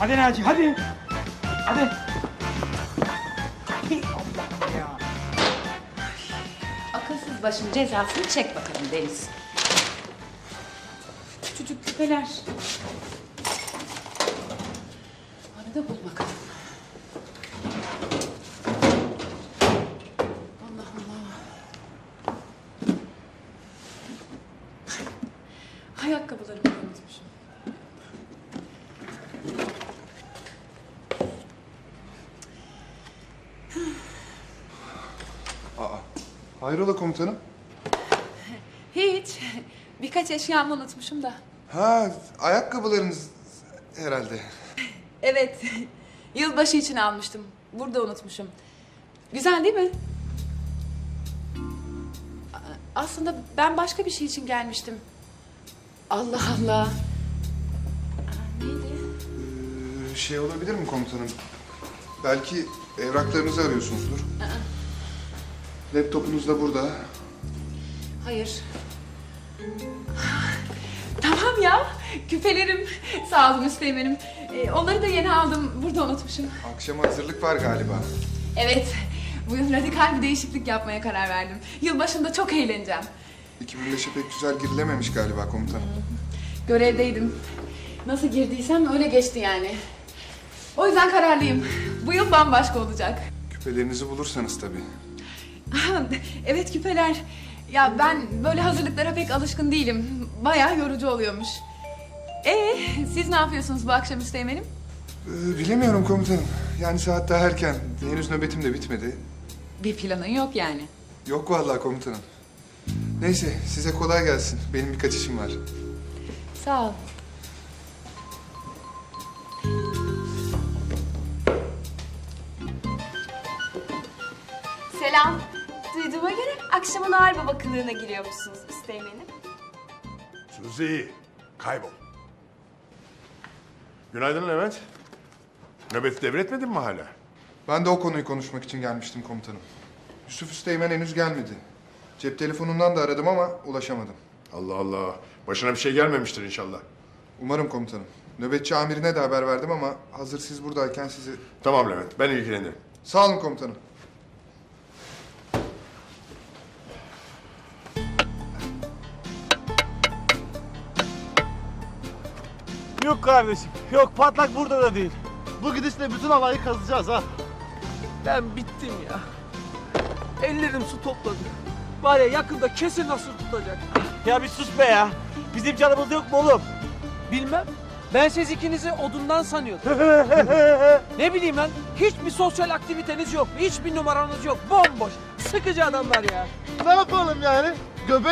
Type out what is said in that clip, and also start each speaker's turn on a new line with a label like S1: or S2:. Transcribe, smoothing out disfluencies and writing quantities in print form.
S1: Hadi Naci hadi. Hadi. Allah ya.
S2: Akılsız başın cezasını çek bakalım Deniz. Küçücük küpeler. Arada bul bakalım. Allah Allah. Ayakkabılarımı unutmuşum.
S3: Hayrola komutanım?
S2: Hiç. Birkaç eşyamı unutmuşum da.
S3: Ha, ayakkabılarınız herhalde.
S2: Evet. Yılbaşı için almıştım. Burada unutmuşum. Güzel değil mi? Aslında ben başka bir şey için gelmiştim. Allah Allah. Neydi?
S3: Şey olabilir mi komutanım? Belki evraklarınızı arıyorsunuzdur. Laptopunuz da burada.
S2: Hayır. Tamam ya. Küpelerim. Sağ olun Üsteğmen'im. Onları da yeni aldım. Burada unutmuşum.
S3: Akşama hazırlık var galiba.
S2: Evet. Bu yıl radikal bir değişiklik yapmaya karar verdim. Yılbaşında çok eğleneceğim.
S3: 2005'e pek güzel girilememiş galiba komutanım.
S2: Görevdeydim. Nasıl girdiysem öyle geçti yani. O yüzden kararlıyım. Bu yıl bambaşka olacak.
S3: Küpelerinizi bulursanız tabii.
S2: Evet küpeler. Ya ben böyle hazırlıklara pek alışkın değilim. Bayağı yorucu oluyormuş. Siz ne yapıyorsunuz bu akşam Üsteğmen'im?
S3: Bilemiyorum komutanım. Yani saat daha erken. Henüz nöbetim de bitmedi.
S2: Bir planın yok yani.
S3: Yok vallahi komutanım. Neyse size kolay gelsin. Benim birkaç işim var.
S2: Sağ ol.
S4: Selam. Duyduğuma göre akşamın ağır baba kılığına giriyormuşsunuz Üsteğmen'im.
S5: Suzi, kaybol. Günaydın Levent. Nöbeti devretmedin mi hala?
S3: Ben de o konuyu konuşmak için gelmiştim komutanım. Yusuf Üsteğmen henüz gelmedi. Cep telefonundan da aradım ama ulaşamadım.
S5: Allah Allah. Başına bir şey gelmemiştir inşallah.
S3: Umarım komutanım. Nöbetçi amirine de haber verdim ama hazır siz buradayken sizi...
S5: Tamam Levent, ben ilgilenirim.
S3: Sağ olun komutanım.
S1: Yok kardeşim. Yok patlak burada da değil.
S6: Bu gidişle bütün havayı kazacağız ha.
S7: Ben bittim ya. Ellerim su topladı. Var ya yakında kesin nasıl tutacak.
S1: Ya bir sus be ya. Bizim canımız yok mu oğlum?
S7: Bilmem. Ben siz ikinizi odundan sanıyordum. Ne bileyim lan. Hiçbir sosyal aktiviteniz yok. Hiçbir numaranız yok. Bomboş. Sıkıcı adamlar ya.
S6: Ne yapalım yani? Göbek